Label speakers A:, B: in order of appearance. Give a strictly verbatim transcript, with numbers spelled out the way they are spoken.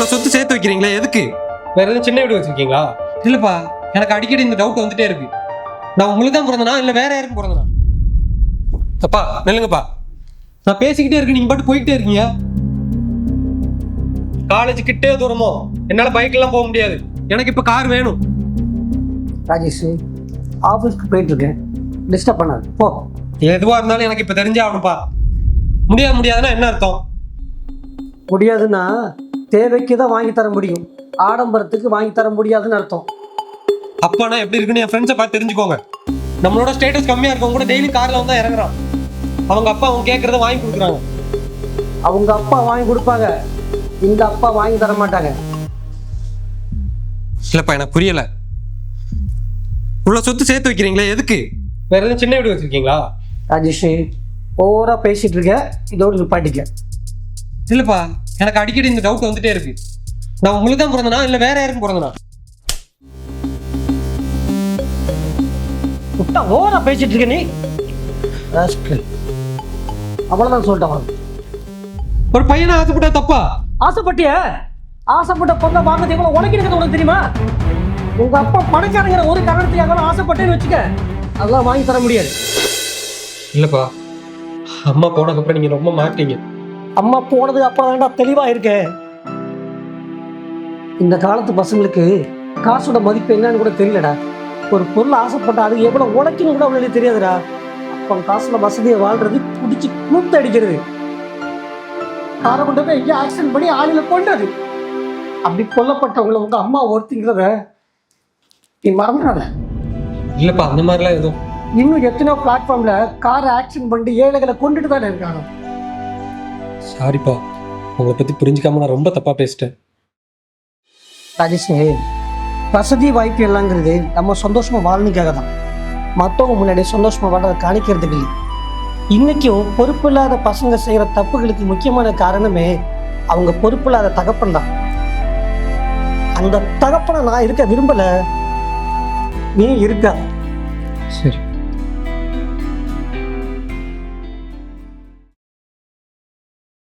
A: இவ்வளோ சொத்து சேர்த்து வைக்கிறீங்களா எதுக்கு? வேற எதுவும் சின்ன வீடு வச்சிருக்கீங்களா? இல்லைப்பா, எனக்கு அடிக்கடி இந்த டவுட் வந்துட்டே இருக்கு. நான் உங்களுக்கு தான் பிறந்தனா இல்லை வேற யாருக்கும் பிறந்தனா? அப்பா நில்லுங்கப்பா, நான் பேசிக்கிட்டே இருக்கேன், நீங்க பாட்டு போய்கிட்டே இருக்கீங்க. காலேஜ் கிட்டே தூரமோ, என்னால் பைக்கெல்லாம் போக முடியாது, எனக்கு இப்போ கார் வேணும்.
B: ராஜேஷ், ஆஃபீஸ்க்கு போயிட்டு இருக்கேன், டிஸ்டர்ப் பண்ணாது போ.
A: எதுவாக இருந்தாலும் எனக்கு இப்போ தெரிஞ்சே ஆகணும்ப்பா. முடியாது முடியாதுன்னா என்ன அர்த்தம்?
B: முடியாதுன்னா தேவைக்கு தான் வாங்கி தர முடியும், ஆடம்பரத்துக்கு வாங்கி தர முடியாதுன்னு அர்த்தம்.
A: அப்பானா எப்படி இருக்குன்னு என் ஃப்ரெண்ட்ஸை பார்த்து தெரிஞ்சுக்கோங்க. நம்மளோட ஸ்டேட்டஸ் கம்மியாக இருக்கவங்க கூட டெய்லி காரில் வந்து இறங்குறான். அவங்க அப்பா அவங்க கேட்குறத வாங்கி கொடுக்குறாங்க.
B: அவங்க அப்பா வாங்கி கொடுப்பாங்க, இந்த அப்பா வாங்கி தர மாட்டாங்க.
A: இல்லைப்பா, எனக்கு புரியலை. இவ்வளோ சொத்து சேர்த்து வைக்கிறீங்களா எதுக்கு? வேற எதுவும் சின்ன வீடு வச்சிருக்கீங்களா?
B: ராஜேஷ், ஓவராக பேசிகிட்டு இருக்க, இதோடு நிப்பாட்டிக்க.
A: இல்லைப்பா, எனக்கு அடிக்கடி இந்த டவுட் வந்துட்டே இருக்கு. நான் உங்களுக்கு தான் பிறந்தனா இல்லை வேற யாருக்கும் பிறந்தனா?
B: விட்டா ஓவராக பேசிட்டு இருக்க நீ. அவ்வளோதான் சொல்லிட்டேன்.
A: ஒரு பையனை ஆசைப்பட்டா தப்பா?
B: ஆசைப்பட்டிய ஆசைப்பட்ட பொண்ணை வாங்க எவ்வளோ உனக்கு இருக்கிறது உனக்கு தெரியுமா? உங்க அப்பா பணக்காரங்கிற ஒரு காரணத்துக்காக ஆசைப்பட்டேன்னு வச்சுக்க, அதெல்லாம் வாங்கி தர முடியாது.
A: இல்லைப்பா, அம்மா போனதுக்கப்புறம் நீங்கள் ரொம்ப மாட்டீங்க.
B: அம்மா போனதுக்கு அப்புறம் தான்டா தெளிவா இருக்கேன். இந்த காலத்து பசங்களுக்கு காசோட மதிப்பு என்னன்னு கூட தெரியலடா. ஒரு பொருள் ஆசைப்பட்டா அது எவ்வளவு உழைக்கணும் கூட அவங்களுக்கு தெரியாதுடா. அப்போ காசுல வசதியை வாழ்றது, குடிச்சு கூத்து அடிக்கிறது, காரை கொண்டு போய் எங்கேயும் ஆக்சிடென்ட் பண்ணி ஆளுல கொண்டது. அப்படி கொல்லப்பட்டவங்களை உங்க அம்மா ஒருத்திங்கிறத நீ மறந்துடாத.
A: இல்லைப்பா, அந்த மாதிரிலாம் எதுவும்.
B: இன்னும் எத்தனையோ பிளாட்ஃபார்ம்ல காரை ஆக்சிடென்ட் பண்ணி ஏழைகளை கொண்டுட்டு தானே இருக்காங்க.
A: சாரிப்பா, உங்களை பற்றி புரிஞ்சுக்காம நான் ரொம்ப தப்பாக பேசிட்டேன்.
B: ராஜேஷ், வசதி வாய்ப்பு எல்லாங்கிறது நம்ம சந்தோஷமா வாழ்ந்துக்காக தான், மற்றவங்க முன்னாடி சந்தோஷமா வாழ்றதை காணிக்கிறதுக்கு இல்லை. இன்னைக்கும் பொறுப்பு இல்லாத பசங்க செய்யற தப்புகளுக்கு முக்கியமான காரணமே அவங்க பொறுப்பு இல்லாத தகப்பன் தான். அந்த தகப்பனை நான் இருக்க விரும்பல, நீ இருக்க.
A: சரி.